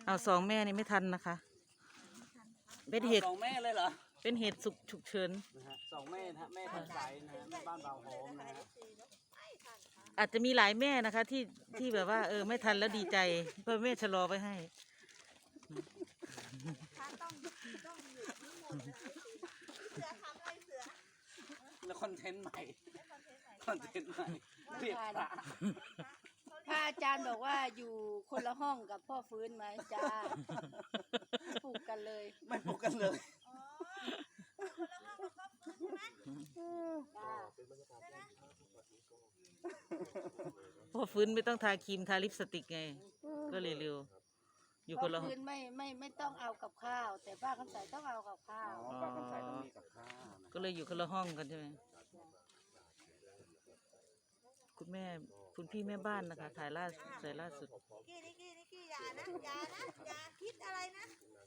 เอาสองแม่นี่ไม่ทันนะคะเป็นเหตุสองแม่เลยเหรอเป็นเหตุฉุกเฉินนะฮะสองแม่นะฮะแม่ทันใจนะฮะแม่บ้านเบาหอมนะฮะอาจจะมีหลายแม่นะคะที่แบบว่าไม่ทันแล้วดีใจเพื่อแม่ชะลอไว้ให้แล้วคอนเทนต์ใหม่คอนเทนต์ใหม่เรียกพระพระอาจารย์บอกว่าอยู่คนละห้องกับพ่อฟื้นไหมจ้าปลูกกันเลยไม่ปลุกกันเลยเพราะฟื้นไม่ต้องทาครีมทาลิปสติกไงก็เลยเร็วอยู่พ่คอนละห้อฟื้งนไม่ต้องเอากับข้าว แต่ป้าคำใสต้องเอากับข้าวอ๋อป้าคำใสต้องมีกับข้าวนะก็เลยอยู่คนละห้องกันใช่ไหมคุณแม่คุณพี่แม่บ้านนะคะถ่ายล่าสุดนิกกี้อย่าอย่าคิดอะไรนะ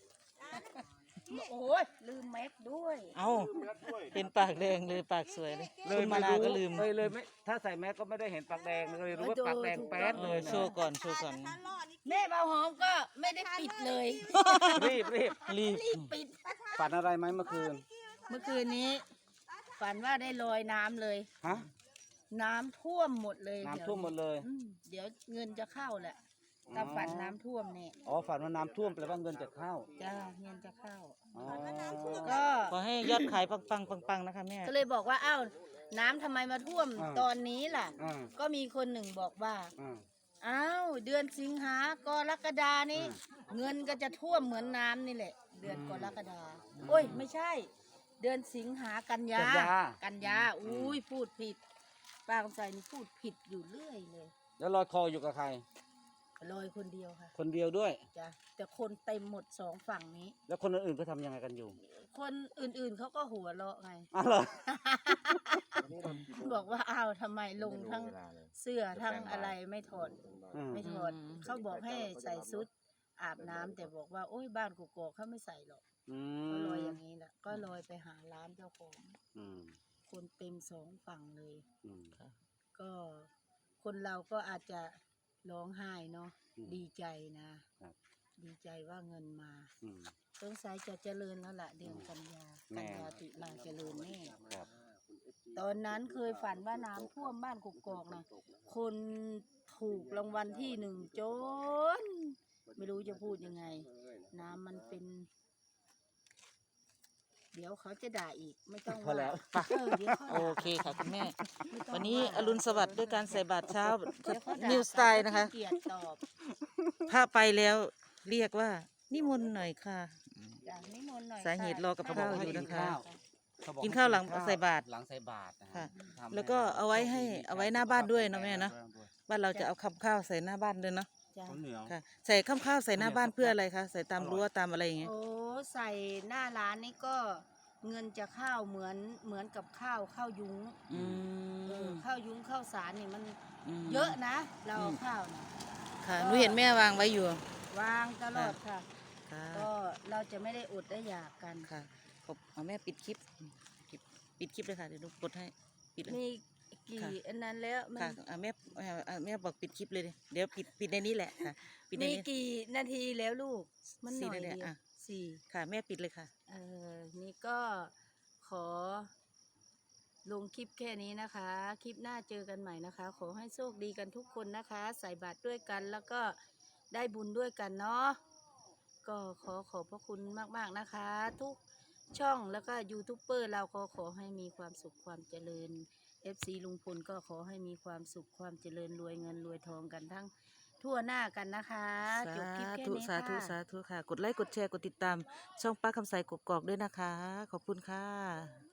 โอ้ยลืมแม็กด้วยเอาเป็นปากแดงเลยปากสวยเลยคุณมานาก็ลืมเลยไม่ถ้าใส่แมสก็ไม่ได้เห็นปากแดงเลยรู้ว่าปากแดงแป๊ดเลยโชว์ก่อนโชว์ก่อนถ้ารอดนิกแม่เบาหอมก็ไม่ได้ปิดเลยรีบรีบรีบปิดฝันอะไรไหมเมื่อคืนเมื่อคืนนี้ ฝันว่าได้ลอยน้ำเลยฮะน้ำท่วมหมดเลยน้ำท่วมหมดเลยเดี๋ยวเงินจะเข้าแหละถ้าฝันน้ำท่วมเนี่ยอ๋อฝันว่าน้ำท่วมแปลว่าเงินจะเข้าจ้าเงินจะเข้าอ๋อก็ขอให้ยอดขายปังนะคะแม่ก็เลยบอกว่าอ้าวน้ำทำไมมาท่วมตอนนี้ล่ะอ่าก็มีคนหนึ่งบอกว่าอ่าอ้าวเดือนสิงหากรกฎานี่เงินก็จะท่วมเหมือนน้ำนี่แหละ เดือนกรกฎาโอ้ยไม่ใช่ เดือนสิงหากันยากันยาอุ้ยพูดผิดป้าคำใจนี่พูดผิดอยู่เรื่อยเลยแล้วลอยคออยู่กับใครลอยคนเดียวค่ะคนเดียวด้วยจ้ะแต่คนเต็มหมดสองฝั่งนี้แล้วคนอื่นๆก็ทำยังไงกันอยู่คนอื่นๆเขาก็หัวเราะไงอ๋อเหรอบอกว่าอ้าวทำไมลงทั้งเสื้อทั้งอะไรไม่ถอดอืมไม่ถอดเขาบอกให้ใส่ชุดอาบน้ำแต่บอกว่าโอ้ยบ้านกูโกอกเขาไม่ใส่หรอกอืก็ลอยมอย่างนี้แหละก็ลอยไปหาร้านเจ้าของอืมคนเต็มสองฝั่งเลยอืมก็คนเราก็อาจจะร้องไห้เนาะอืมดีใจนะครับ ดีใจว่าเงินมาอืมสงสัยจะเจริญแล้วล่ะเดือนกันยาแน่ติมาเจริญแน่ครับตอนนั้นเคยฝันว่าน้ำท่วมบ้านกกอกนะคนถูกรางวัลที่หนึ่งจน ไม่รู้จะพูดยังไง น้ำมันเป็น เดี๋ยวเขาจะด่าอีกไม่ต้องพอแล้วเดี๋ยวเขาโอด่าเคค่ะคุณแม่ไม่ต้องวันนี้อรุณสวัสดิ์ด้วยการใส่บาตรเช้าเดี๋ยวเขาด่านิวสไตล์นะคะเกียรติตอบพระไปแล้วเรียกว่านิมนต์หน่อยค่ะจ้ะนิมนต์หน่อยสาเหตุรอกับข้าวอยู่นะคะเขาบอกกินข้าวหลังใส่บาตรหลังใส่บาตรนะฮะค่ะทำแล้วก็เอาไว้หน้าบ้านด้วยนะแม่เนาะบ้านเราจะเอาคำข้าวใส่หน้าบ้านด้วยเนาะจ้ะข้าวเหนียวค่ะ ใส่คำข้าวใส่หน้าบ้านเพื่ออะไรคะใส่ตามรั้วตามอะไรอย่างเงี้ยโอ้ใส่หน้าร้านนี่ก็เงินจะเข้าเหมือนกับข้าวยุ้งอืข้าวยุ้งข้าวสารนี่มันมเยอะนะ เราเอาข้าวนะค่ะหนูเห็นแม่วางไว้อยู่วางตลอดค่ะค่ะก็เราจะไม่ได้อดได้อยากกันค่ะเอาแม่ปิดคลิปปิดคลิปเลยค่ะเดี๋ยวหนูกดให้ปิดเลยมีกี่ค่ะอันนั้นแล้วมันค่ะแม่บอกปิดคลิปเลยดิเดี๋ยวปิดในนี้แหละค่ะปิดในมีนี้กี่นาทีแล้วลูก มันหน่อย 4 นาทีเดียวอ่ะสี่ค่ะแม่ปิดเลยค่ะนี่ก็ขอลงคลิปแค่นี้นะคะ คลิปหน้าเจอกันใหม่นะคะ ขอให้โชคดีกันทุกคนนะคะ ใส่บาตรด้วยกันแล้วก็ได้บุญด้วยกันเนาะก็ขอบพระคุณมากๆนะคะ ทุกช่องแล้วก็ยูทูบเบอร์เราก็ขอให้มีความสุขความเจริญ FC ลุงพลก็ขอให้มีความสุขความเจริญรวยเงินรวยทองกันทั้งทั่วหน้ากันนะคะจบคลิปแค่นี้สาธุค่ะสาธุค่ะ กดไลค์กดแชร์กดติดตามช่องป้าคำใสกกอกด้วยนะคะ ขอบคุณค่ะ